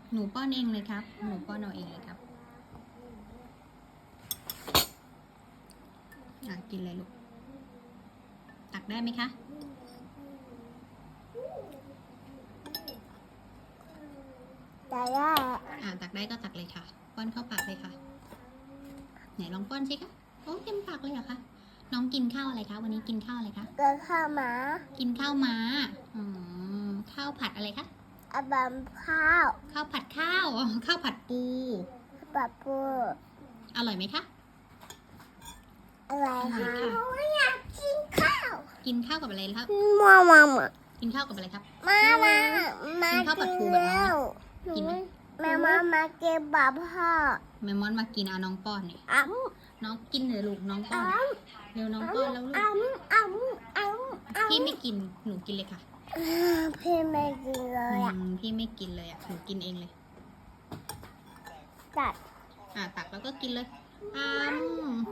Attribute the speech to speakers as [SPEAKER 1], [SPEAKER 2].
[SPEAKER 1] หนูป้อนเองเลยครับ หนูป้อนเอาเองเลยครับกินเลยลูก ตักได้ไหมคะ
[SPEAKER 2] แต่ได้
[SPEAKER 1] ตักได้ก็ตักเลยค่ะ ป้อนเข้าปากเลยค่ะ ไหนลองป้อนสิคะโอ้เต็มปากเลยเหรอคะ น้องกินข้าวอะไรคะ วันนี้กินข้าวอะไรคะ
[SPEAKER 2] เกิดข้าวหมา
[SPEAKER 1] กินข้าวม้าข้าวผัดอะไรคะ
[SPEAKER 2] อาบัมข้าว
[SPEAKER 1] ข้าวผัดข้าวข้าวผัดปู
[SPEAKER 2] ปะปู
[SPEAKER 1] อร่อยไหมคะ
[SPEAKER 2] อะไร
[SPEAKER 1] อร่อย
[SPEAKER 2] คะ
[SPEAKER 1] ค่ะ
[SPEAKER 2] อยากกินข้าว
[SPEAKER 1] กินข้าวกับอะไรครับ
[SPEAKER 2] มา
[SPEAKER 1] กินข้าวกับอะไรครับ
[SPEAKER 2] มา
[SPEAKER 1] กินข้าวผัดปูแบบน้อง กินไหม
[SPEAKER 2] แม่มาเก็บบับพ่อ
[SPEAKER 1] แมมมอนมากินน้องป้อนเนี่ย
[SPEAKER 2] อ้ำ
[SPEAKER 1] น้องกินเลยลูกน้องป้อน
[SPEAKER 2] อ้ำ
[SPEAKER 1] เร็วน้องป้อนแล้วลูก พี่ไม่กิน หนูกินเลยค่ะ
[SPEAKER 2] พี่ไม่กินเลยอ่ะ
[SPEAKER 1] พี่ไม่กินเลยหนูกินเองเลย
[SPEAKER 2] ตัด
[SPEAKER 1] ตักแล้วก็กินเลย